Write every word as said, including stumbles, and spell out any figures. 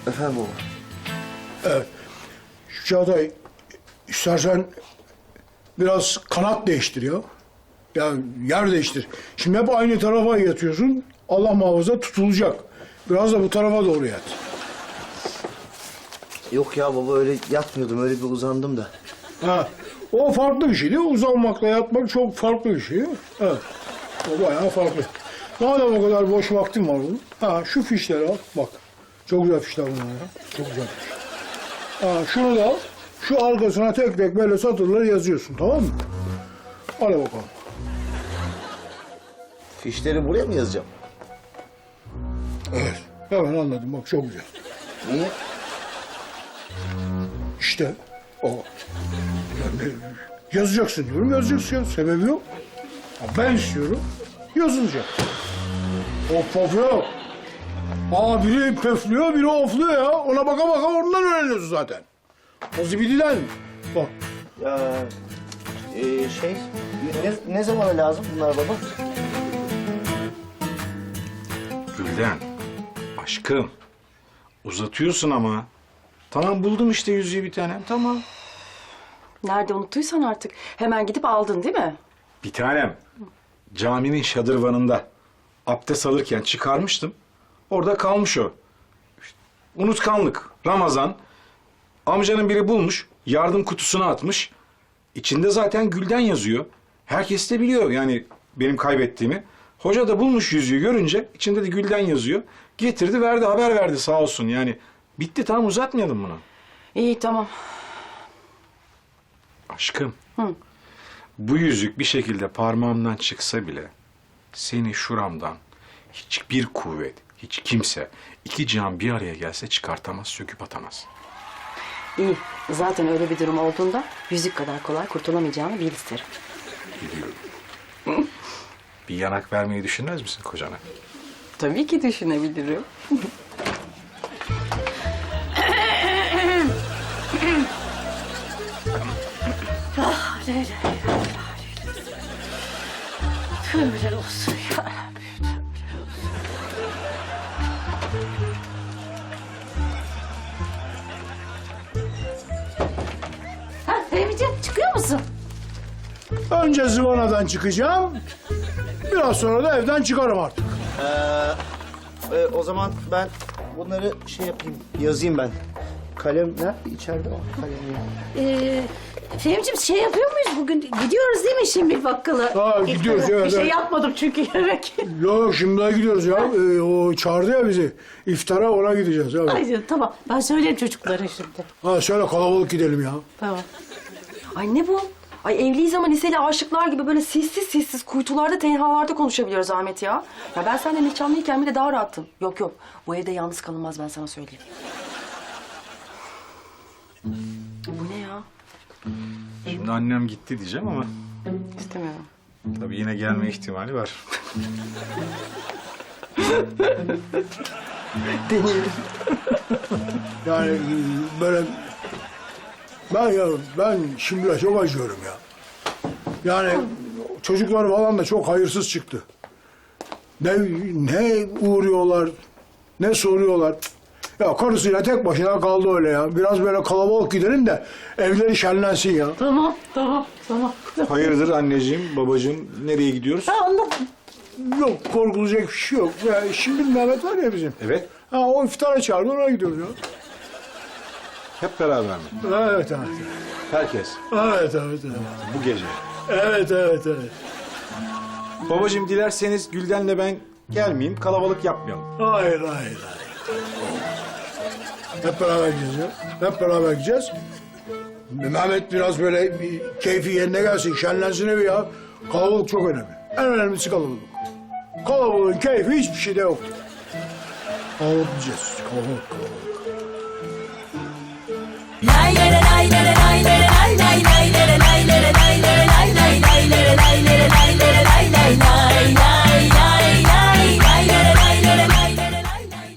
Efendim baba. Evet. Şu Çağatay, istersen biraz kanat değiştir ya. Ya yer değiştir. Şimdi hep aynı tarafa yatıyorsun. Allah muhafaza tutulacak. Biraz da bu tarafa doğru yat. Yok ya baba, öyle yatmıyordum, öyle bir uzandım da. Ha, o farklı bir şey değil mi? Uzanmakla yatmak çok farklı bir şey. Evet. O bayağı farklı. Madem o kadar boş vaktim var bunun. Ha, şu fişleri al. Bak. Çok güzel fişler bunlar ya. Çok güzel fiş. Ha, şunu da al. Şu arkasına tek tek böyle satırları yazıyorsun, tamam mı? Hadi bakalım. Fişleri buraya mı yazacağım? Evet. Hemen anladım. Bak çok güzel. Niye? İşte o. Yani yazacaksın diyorum, yazacaksın ya. Sebebi yok. Ya ben istiyorum, yazılacak. Of of yok. Aa, biri pöflüyor, biri ofluyor ya. Ona baka baka ondan öğreniyorsun zaten. O zibididen. Bak. Ya e, şey, ne, ne zamana lazım bunlar baba? Gülden, aşkım. Uzatıyorsun ama. Tamam, buldum işte yüzüğü bir tanem, tamam. Nerede unuttuysan artık. Hemen gidip aldın değil mi? Bir tanem, caminin şadırvanında abdest alırken çıkarmıştım. Orada kalmış o. İşte, unutkanlık, Ramazan. Amcanın biri bulmuş, yardım kutusuna atmış. İçinde zaten Gülden yazıyor. Herkes de biliyor yani benim kaybettiğimi. Hoca da bulmuş yüzüğü görünce, içinde de Gülden yazıyor. Getirdi, verdi, haber verdi sağ olsun yani. Bitti, tamam, uzatmayalım bunu. İyi tamam. Aşkım. Hı. Bu yüzük bir şekilde parmağımdan çıksa bile seni şuramdan hiçbir kuvvet, hiç kimse iki cihan bir araya gelse çıkartamaz, söküp atamaz. İyi. Zaten öyle bir durum olduğunda yüzük kadar kolay kurtulamayacağını bil isterim. Biliyorum. Bir yanak vermeyi düşünmez misin kocana? Tabii ki düşünebilirim. Ah Leyla, tövbeler olsun ya Rabbi, tövbeler olsun. Ha Fehmi'ciğim, çıkıyor musun? Önce zıvanadan çıkacağım. Biraz sonra da evden çıkarım artık. Ee, e, o zaman ben bunları şey yapayım, yazayım ben. Kalem nerede? İçeride o kalem ya. Ee, Fehmi'ciğim şey yapıyor muyuz bugün? Gidiyoruz değil mi şimdi bakkala? Ha, gidiyoruz, Bir evet, şey evet. yapmadım çünkü yemek. Yok yok, şimdi daha gidiyoruz ya. Ee, o çağırdı ya bizi. İftara ona gideceğiz. Evet. Ay canım, tamam, ben söyleyeyim çocuklara şimdi. Ha, şöyle kalabalık gidelim ya. Tamam. Ay ne bu? Ay evliyiz ama liseli aşıklar gibi böyle sessiz sessiz kuytularda, tenhalarda konuşabiliyoruz Ahmet ya. Ya ben seninle nişanlıyken bile daha rahattım. Yok yok, bu evde yalnız kalınmaz, ben sana söyleyeyim. Bu ne ya? Şimdi annem gitti diyeceğim ama İstemiyorum. tabii yine gelme ihtimali var. Deneyelim. Yani e, böyle... Ben ya, ben şimdi çok acıyorum ya. Yani çocuklar falan da çok hayırsız çıktı. Ne ne uğruyorlar, ne soruyorlar. Cık. Ya karısıyla tek başına kaldı öyle ya. Biraz böyle kalabalık gidelim de evleri şenlensin ya. Tamam, tamam, tamam. Hayırdır anneciğim, babacığım, nereye gidiyoruz? Ha anladım. Yok, korkulacak bir şey yok. Ya, şimdi Mehmet var ya bizim. Evet, Ha, o iftara çağırdı, oraya gidiyoruz ya. hep beraber mi? Evet, evet. Herkes, Evet, evet, evet. bu gece. Evet, evet, evet. Babacığım dilerseniz Gülden'le ben gelmeyeyim, kalabalık yapmayalım. Hayır, hayır, hayır. Hep beraber gideceğiz ya. Hep beraber gideceğiz. Mehmet biraz böyle bir keyfi yerine gelsin, şenlensin evi ya. Kalabalık çok önemli. En önemlisi kalabalık. Kalabalığın keyfi hiçbir şeyde yoktur. Kalabalık gideceğiz. Kalabalık, kalabalık. Lay lay lay